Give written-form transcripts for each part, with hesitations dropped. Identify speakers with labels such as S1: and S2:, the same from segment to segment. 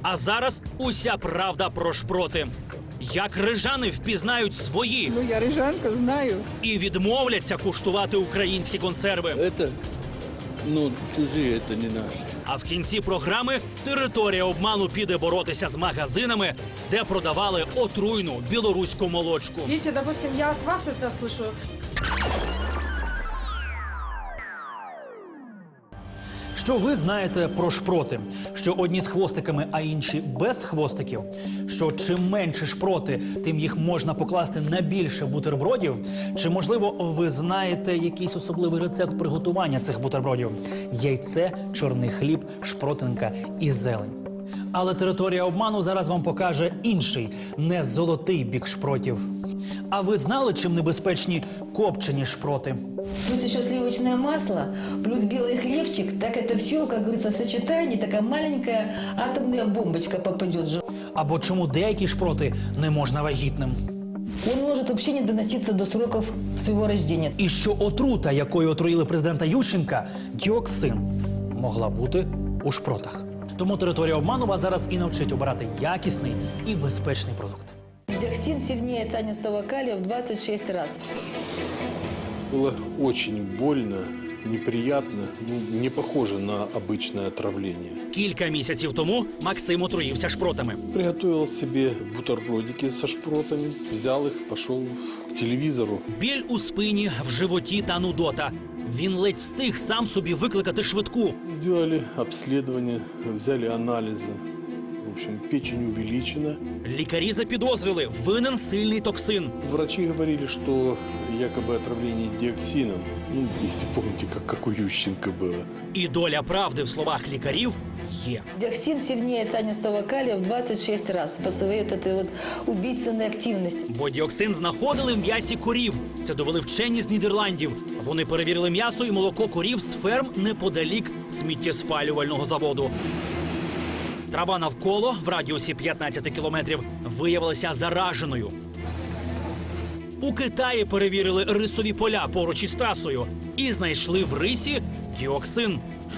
S1: А зараз уся правда про шпроти. Як рижани впізнають свої
S2: Ну, я рижанка, знаю.
S1: і відмовляться куштувати українські консерви.
S3: Это, чужие, это не наши.
S1: А в кінці програми територія обману піде боротися з магазинами, де продавали отруйну білоруську молочку.
S4: Видите, допустим, я от вас это слышу.
S1: Що ви знаєте про шпроти? Що одні з хвостиками, а інші без хвостиків? Що чим менше шпроти, тим їх можна покласти на більше бутербродів? Чи, можливо, ви знаєте якийсь особливий рецепт приготування цих бутербродів? Яйце, чорний хліб, шпротинка і зелень. Але територія обману зараз вам покаже інший, не золотий бік шпротів. А ви знали, чим небезпечні копчені шпроти?
S5: Плюс еще сливочное масло, плюс белый хлебчик. Так это все, как говорится, в сочетании, такая маленькая атомная бомбочка попадет.
S1: Або чому деякі шпроти не можна вагітним?
S5: Он может вообще не доноситься до сроков своего рождения.
S1: І що отрута, якою отруїли президента Ющенка, діоксин, могла бути у шпротах. Тому територія обману вас зараз і навчить обирати якісний і безпечний продукт.
S5: Диоксин сильнее цианистого калия в 26 раз.
S3: Было очень больно, неприятно, не похоже на обычное отравление.
S1: Кілька місяців тому Максим отруївся шпротами.
S3: Приготовил себе бутербродики со шпротами, взял их, пошел к телевизору.
S1: Біль у спині, в животі та нудота. Він ледь встиг сам собі викликати швидку.
S3: Сделали обследование, взяли анализы. В общем, печень увеличена.
S1: Лікарі запідозрили – винен сильний токсин.
S3: Врачи говорили, что якобы отравление диоксином. Если помните, как у Ющенко было.
S1: І доля правди в словах лікарів є.
S5: Диоксин сильнее цианистого калия в 26 раз по своей вот этой вот убийственной активности.
S1: Бо діоксин знаходили в м'ясі корів. Це довели вчені з Нідерландів. Вони перевірили м'ясо і молоко корів з ферм неподалік сміттєспалювального заводу. Трава навколо, в радіусі 15 кілометрів, виявилася зараженою. У Китаї перевірили рисові поля поруч із трасою і знайшли в рисі діоксин.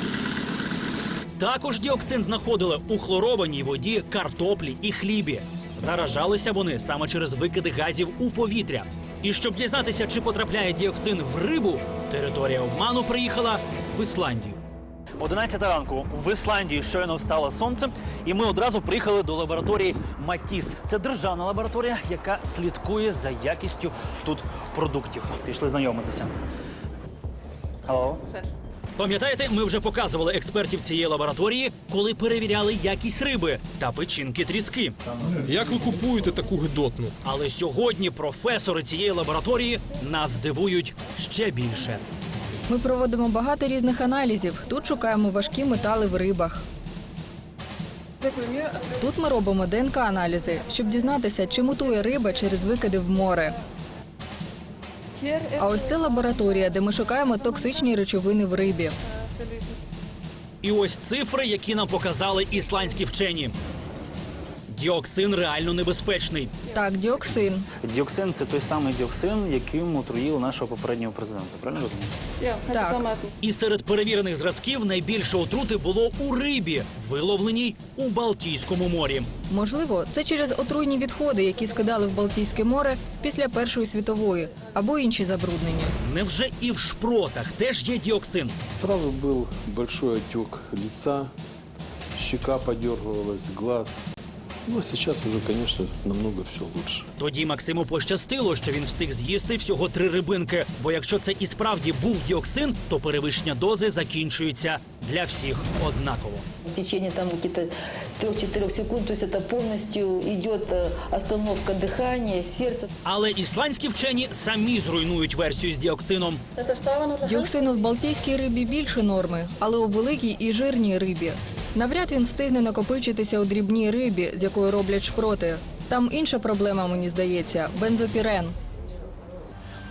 S1: Також діоксин знаходили у хлорованій воді, картоплі і хлібі. Заражалися вони саме через викиди газів у повітря. І щоб дізнатися, чи потрапляє діоксин в рибу, територія обману приїхала в Ісландію. 11 ранку в Ісландії щойно встало сонце, і ми одразу приїхали до лабораторії Матіс. Це державна лабораторія, яка слідкує за якістю тут продуктів. Пішли знайомитися. Алло. Пам'ятаєте, ми вже показували експертів цієї лабораторії, коли перевіряли якість риби та печінки тріски.
S6: Як ви купуєте таку гидотну?
S1: Але сьогодні професори цієї лабораторії нас здивують ще більше.
S2: Ми проводимо багато різних аналізів. Тут шукаємо важкі метали в рибах. Тут ми робимо ДНК-аналізи, щоб дізнатися, чи мутує риба через викиди в море. А ось це лабораторія, де ми шукаємо токсичні речовини в рибі.
S1: І ось цифри, які нам показали ісландські вчені. Діоксин реально небезпечний.
S2: Так, діоксин.
S1: Діоксин – це той самий діоксин, яким отруїли нашого попереднього президента. Правильно розумію?
S2: Так.
S1: І серед перевірених зразків найбільше отрути було у рибі, виловленій у Балтійському морі.
S2: Можливо, це через отруйні відходи, які скидали в Балтійське море після Першої світової, або інші забруднення.
S1: Невже і в шпротах теж є діоксин?
S3: Сразу был большой отек лица, щека подергивалась, глаз. Ну, а сейчас уже, конечно, намного все лучше.
S1: Тоді Максиму пощастило, що він встиг з'їсти всього 3 рибинки. Бо якщо це і справді був діоксин, то перевищення дози закінчується для всіх однаково.
S5: В течение там каких-то 3-4 секунд, то есть это полностью идет остановка дыхания, сердца.
S1: Але ісландські вчені самі зруйнують версію з діоксином.
S2: Діоксину в балтійській рибі більше норми, але у великій і жирній рибі. Навряд він встигне накопичитися у дрібній рибі, з якої роблять шпроти. Там інша проблема, мені здається – бензопірен.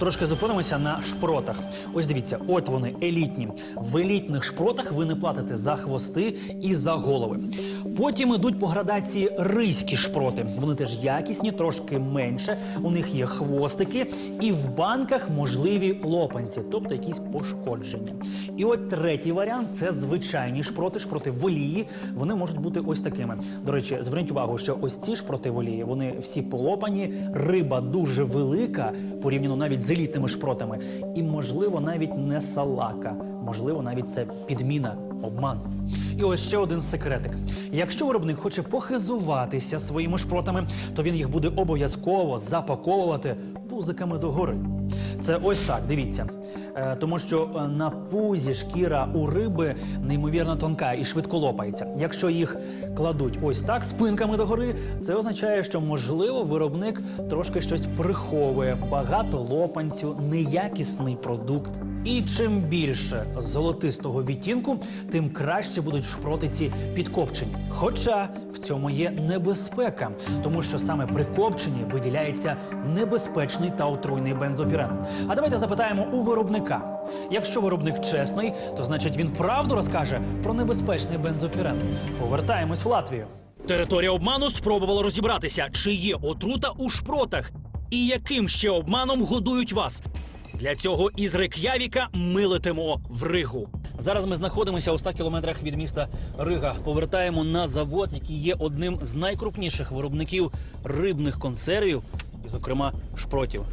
S1: Трошки зупинимося на шпротах. Ось дивіться, от вони, елітні. В елітних шпротах ви не платите за хвости і за голови. Потім ідуть по градації ризькі шпроти. Вони теж якісні, трошки менше. У них є хвостики і в банках можливі лопанці, тобто якісь пошкодження. І от третій варіант – це звичайні шпроти, шпроти в олії. Вони можуть бути ось такими. До речі, зверніть увагу, що ось ці шпроти в олії, вони всі полопані, риба дуже велика, порівняно навіть з елітними шпротами. І, можливо, навіть не салака. Можливо, навіть це підміна, обман. І ось ще один секретик. Якщо виробник хоче похизуватися своїми шпротами, то він їх буде обов'язково запаковувати пузиками догори. Це ось так, дивіться. Тому що на пузі шкіра у риби неймовірно тонка і швидко лопається. Якщо їх кладуть ось так, спинками догори, це означає, що, можливо, виробник трошки щось приховує. Багато лопанцю, неякісний продукт. І чим більше золотистого відтінку, тим краще будуть шпроти ці підкопчені. Хоча в цьому є небезпека, тому що саме при копченні виділяється небезпечний та отруйний бензопірен. А давайте запитаємо у виробника. Якщо виробник чесний, то значить він правду розкаже про небезпечний бензопірен. Повертаємось в Латвію. Територія обману спробувала розібратися, чи є отрута у шпротах і яким ще обманом годують вас. Для цього із Рейк'явіка ми летимо в Ригу. Зараз ми знаходимося у 100 кілометрах від міста Рига. Повертаємо на завод, який є одним з найкрупніших виробників рибних консервів, і, зокрема, шпротів.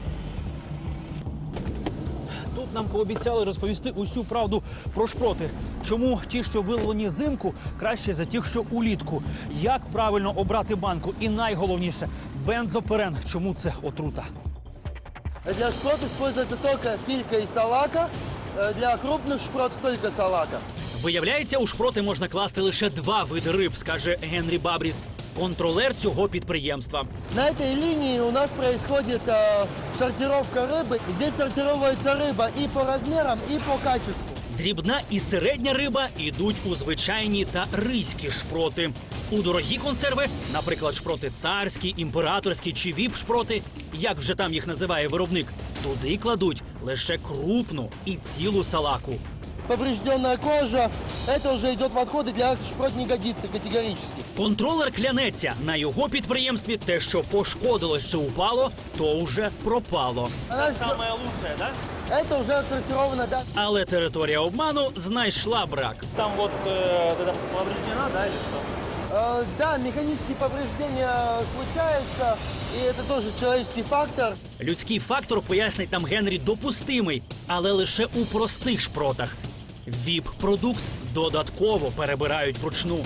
S1: Тут нам пообіцяли розповісти усю правду про шпроти. Чому ті, що виловлені взимку, краще за тих, що улітку. Як правильно обрати банку. І найголовніше – бензопірен. Чому це отрута?
S7: Для шпрот используется только килька и салака, для крупных шпрот только салака.
S1: Виявляється, у шпроти можна класти лише 2 види риб, скаже Генрі Бабріс, контролер цього підприємства.
S7: На этой линии у нас происходит сортировка рыбы. Здесь сортируется рыба и по размерам, и по качеству.
S1: Дрібна і середня риба йдуть у звичайні та ризькі шпроти. У дорогі консерви, наприклад, шпроти царські, імператорські чи віп-шпроти, як вже там їх називає виробник, туди кладуть лише крупну і цілу салаку.
S7: Поврежденная кожа, это уже идет в отходы, для шпрот не годится категорически.
S1: Контролер клянеться, на його підприємстві те, що пошкодилось чи упало, то вже пропало.
S7: Она
S1: Саме лучше, так?
S7: Это уже отсортировано, да.
S1: Але територія обману знайшла брак. Там от повреждена, да, или що?
S7: Да, механические повреждения случаются, и это тоже человеческий фактор.
S1: Людський фактор, пояснить нам Генрі, допустимий, але лише у простих шпротах. ВІП-продукт додатково перебирають вручну.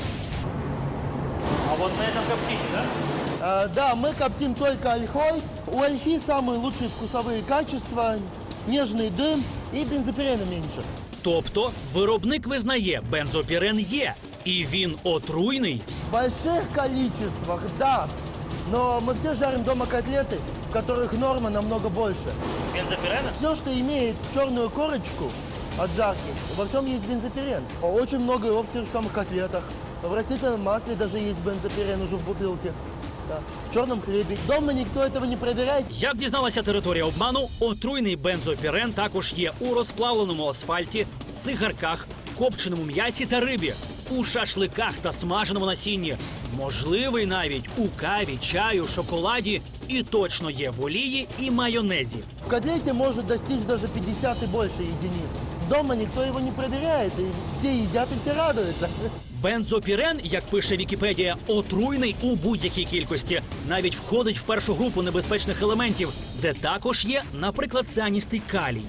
S1: А от на этом коптите, да?
S7: Да, мы коптим только ольхой. У ольхи самые лучшие вкусовые качества, нежный дым и бензопирена меньше.
S1: Тобто виробник визнає, бензопірен є, і він отруйний.
S7: В больших количествах, да. Но мы все жарим дома котлеты, в которых норма намного больше.
S1: Бензопірена?
S7: Все, что имеет черную корочку от жарки, во всем есть бензопирен. Очень много его в тех же самых котлетах. В растительном масле даже есть бензопирен уже в бутылке. Да. В черном хлебе. Дома никто этого не проверяет.
S1: Як дізналася територія обману, отруйний бензопірен також є у розплавленому асфальті, цигарках, копченому м'ясі та рибі, у шашликах та смаженому насінні. Можливий навіть у каві, чаю, шоколаді і точно є в олії і майонезі.
S7: В котлете может достичь даже 50 и больше единиц. Дома никто его не проверяет, и все едят и все радуются.
S1: Бензопірен, як пише Вікіпедія, отруйний у будь-якій кількості. Навіть входить в першу групу небезпечних елементів, де також є, наприклад, цианістий калій.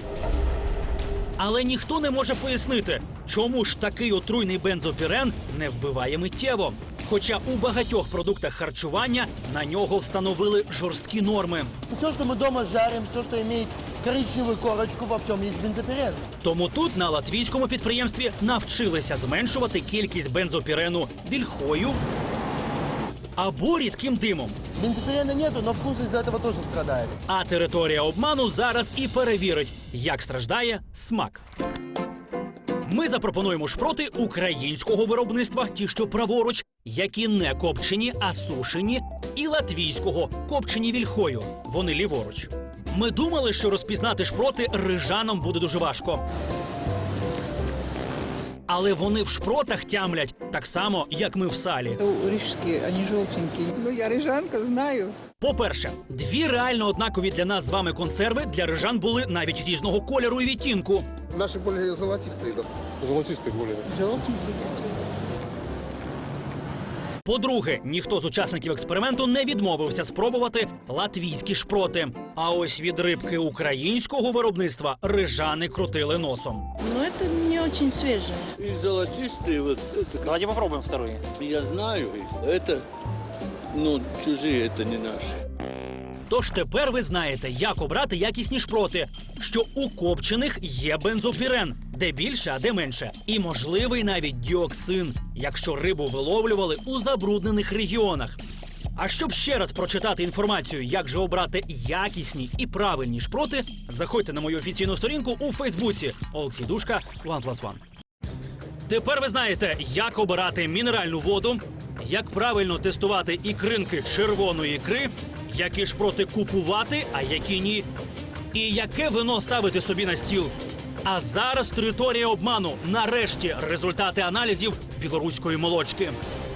S1: Але ніхто не може пояснити, чому ж такий отруйний бензопірен не вбиває миттєво. Хоча у багатьох продуктах харчування на нього встановили жорсткі норми.
S7: Все, что мы дома жарим, все, что имеет коричневую корочку, во всем есть бензопирен.
S1: Тому тут на латвійському підприємстві навчилися зменшувати кількість бензопірену вільхою або рідким димом.
S7: Бензопирена нету, но вкус из-за этого тоже страдает.
S1: А територія обману зараз і перевірить, як страждає смак. Ми запропонуємо шпроти українського виробництва, ті, що праворуч, які не копчені, а сушені, і латвійського, копчені вільхою. Вони ліворуч. Ми думали, що розпізнати шпроти рижанам буде дуже важко. Але вони в шпротах тямлять так само, як ми в салі.
S8: Рижские, они желтенькие. Ну, я рижанка, знаю.
S1: По-перше, дві реально однакові для нас з вами консерви для рижан були навіть різного кольору і відтінку.
S9: Наши более золотистые, да.
S6: Золотистий более.
S8: Желтенькие такие.
S1: По-друге, ніхто з учасників експерименту не відмовився спробувати латвійські шпроти. А ось від рибки українського виробництва рижани крутили носом.
S8: Но это не очень свежее.
S10: И золотистые, вот это,
S1: Давайте попробуємо вторые.
S10: я знаю их. Это, ну, чужие, это не наши.
S1: Тож тепер ви знаєте, як обрати якісні шпроти, що у копчених є бензопірен, де більше, а де менше. І можливий навіть діоксин, якщо рибу виловлювали у забруднених регіонах. А щоб ще раз прочитати інформацію, як же обрати якісні і правильні шпроти, заходьте на мою офіційну сторінку у Фейсбуці Олексій Душка 1+1. Тепер ви знаєте, як обирати мінеральну воду, як правильно тестувати ікринки червоної ікри, які шпроти купувати, а які ні, і яке вино ставити собі на стіл. А зараз територія обману. Нарешті результати аналізів білоруської молочки.